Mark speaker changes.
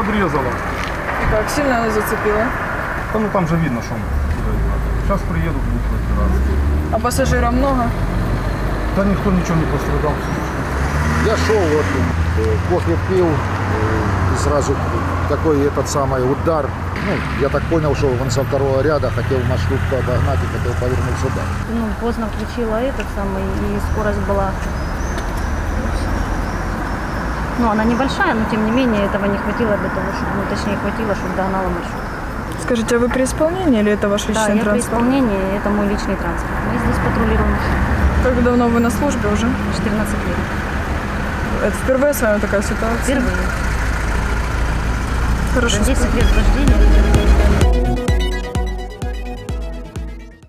Speaker 1: подрезала.
Speaker 2: Как сильно она зацепила?
Speaker 1: Да, ну там же видно, что он куда идет. Сейчас приедут, будут разбираться.
Speaker 2: А пассажиров много?
Speaker 1: Да никто ничего не пострадал.
Speaker 3: Я шел, вот, кофе пил, и сразу такой этот самый удар. Ну, я так понял, что он со второго ряда хотел маршрутку обогнать и хотел повернуть сюда.
Speaker 4: Ну, поздно включила этот самый, и скорость была... Ну, она небольшая, но тем не менее этого не хватило для того, чтобы, ну, точнее, хватило, чтобы догнала маршрут.
Speaker 2: Скажите, а вы при исполнении или это ваш
Speaker 4: Да,
Speaker 2: личный
Speaker 4: я при
Speaker 2: транспорт?
Speaker 4: исполнении, это мой личный транспорт. Мы здесь патрулируем
Speaker 2: Как давно вы на службе уже?
Speaker 4: 14 лет.
Speaker 2: Это впервые с вами такая ситуация?
Speaker 4: Впервые.
Speaker 2: Хорошо.
Speaker 4: За 10 лет вождения.